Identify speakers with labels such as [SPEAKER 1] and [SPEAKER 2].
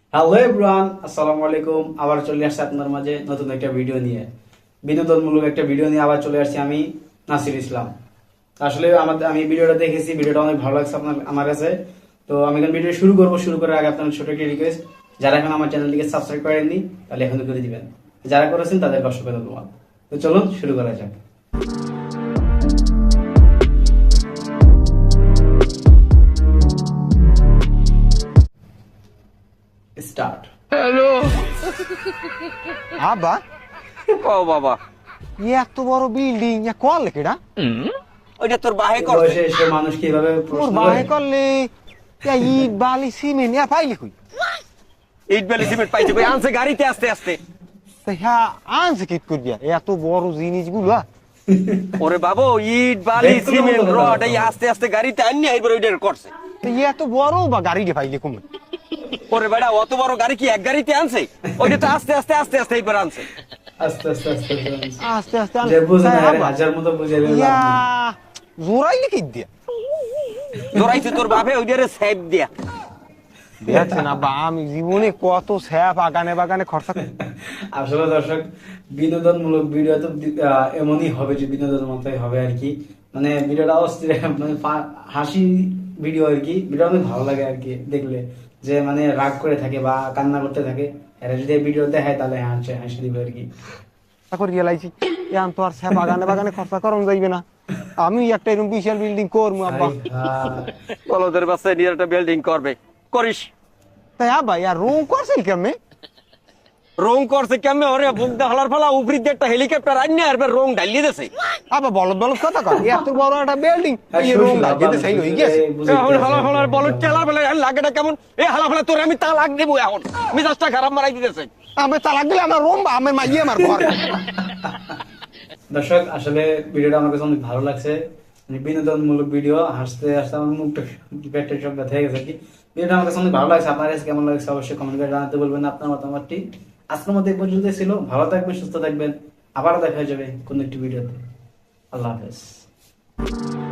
[SPEAKER 1] Hello everyone, আসসালামু আলাইকুম। আবার চলে আসছে আপনার মাঝে নতুন একটা ভিডিও নিয়ে, বিনোদনমূলক একটা ভিডিও নিয়ে আবার চলে আসছি আমি, নাসির ইসলাম। আসলে আমি ভিডিওটা দেখেছি, ভিডিওটা অনেক ভালো লাগছে আমার কাছে। তো আমি এখন ভিডিও শুরু করবো। শুরু করার আগে আপনার ছোট একটা রিকোয়েস্ট, যারা এখন আমার চ্যানেলটিকে সাবস্ক্রাইব করেননি তাহলে এখন করে দিবেন, যারা করেছেন তাদের অসংখ্য ধন্যবাদ। তো চলুন শুরু করা যাক। স্টার্ট।
[SPEAKER 2] আবা
[SPEAKER 3] ও বাবা,
[SPEAKER 2] এত বড় বিল্ডিং কল কেডা
[SPEAKER 3] ওইটা তোর বাহে
[SPEAKER 1] এই
[SPEAKER 3] করছে।
[SPEAKER 1] বয়সে এসে মানুষ কিভাবে
[SPEAKER 2] মোর
[SPEAKER 1] প্রশ্ন
[SPEAKER 2] বাহে
[SPEAKER 1] করে?
[SPEAKER 2] করলে ইট বালি সিমেন্ট পাইলি কই
[SPEAKER 3] ইট বেলি সিমেন্ট পাইছে কই? আনছে গাড়িতে আস্তে আস্তে।
[SPEAKER 2] তা হ্যাঁ আনছে কিট করিয়া এত বড় জিনিসগুলো
[SPEAKER 3] ওরে বাবু, ইট বালি
[SPEAKER 1] দেখতে তো
[SPEAKER 3] সিমেন্ট
[SPEAKER 1] মতো
[SPEAKER 3] রড
[SPEAKER 1] না।
[SPEAKER 3] এই আস্তে আস্তে গাড়িতে আনিয়ে এবার ওইটা করছে।
[SPEAKER 2] এত বড় বা গাড়ি দিয়ে পাইলে কমে
[SPEAKER 3] ওরে বেটা, অত বড় গাড়ি কি এক গাড়িতে আনছে? ওইটা তো আস্তে আস্তে আস্তে আস্তে এইবার আনছে।
[SPEAKER 1] আস্তে আস্তে আস্তে আস্তে
[SPEAKER 2] আস্তে আস্তে
[SPEAKER 1] যে বুঝে না,
[SPEAKER 2] তা আব্বা,
[SPEAKER 1] হাজার মতো বুঝে
[SPEAKER 2] ইয়া জোরাইলে কি দিয়া
[SPEAKER 3] ধরাইছে তোর বাপে ওইটারে সেভ দিয়া।
[SPEAKER 2] দেখছেন আব্বা আমি জীবনে কত স্যাপ বাগানে বাগানে খরচা করি।
[SPEAKER 1] আসলে দর্শক, বিনোদনমূলক ভিডিও তো এমনই হবে, যে বিনোদনের মতোই হবে আর কি। মানে ভিডিওটা অস্থির, মানে হাসি ভিডিও আর কি। ভিডিও অনেক ভালো লাগে আর কি দেখলে, যে মানে রাগ করে থাকে বা কান্না করতে থাকে, এরা যদি এই ভিডিও দেখায় তাহলে হাসি হাসি দিবে আর কি।
[SPEAKER 2] করে রিয়েলাইছি এখন তো আর স্যাপ বাগানে বাগানে খরচা করন যাইবে না। আমি একটা এরকম বিশাল বিল্ডিং করবো আব্বা।
[SPEAKER 3] বলদের বাচ্চা নিয়ে একটা বিল্ডিং করবে, করিস।
[SPEAKER 2] তাই আব্বা ইয়ার রুম করছিল কেমনে
[SPEAKER 3] রং করছে কেমনে? ওরে বুক দা হলার ফলা উপরি দিয়ে একটা হেলিকপ্টার আনিয়ে আর রং ঢালিয়ে দিছে।
[SPEAKER 2] আব্বা বলদ বলদ কথা কর এত বড় একটা বিল্ডিং এই রুম লাগিয়ে সেই হয়ে গেছে
[SPEAKER 3] এখন হালা ফালার বলত চালার বেলা লাগেটা কেমন? এ হালা ফালা তোর আমি তা লাগ দেবো এখন, মিজাজটা খারাপ মারাই দিতেছে।
[SPEAKER 2] আমি তালাক দিলে আমার রুম বা আমার মাইয়ে আমার ঘর
[SPEAKER 1] দর্শক, আসলে ভিডিওটা আমার কাছে অনেক ভালো লাগছে। মানে বিনোদনমূলক ভিডিও, হাসতে হাসতে আমার মুখটা পেটের সব ব্যথা হয়ে গেছে আর কি। ভিডিওটা আমার কাছে অনেক ভালো লাগছে। আপনার কাছে কেমন লাগছে অবশ্যই কমেন্ট করে জানাতে বলবেন আপনার মতামতটি। আজকের মধ্যে এই পর্যন্ত ছিল। ভালো থাকবেন, সুস্থ থাকবেন। আবারও দেখা যাবে কোন একটি ভিডিওতে। আল্লাহ হাফেজ।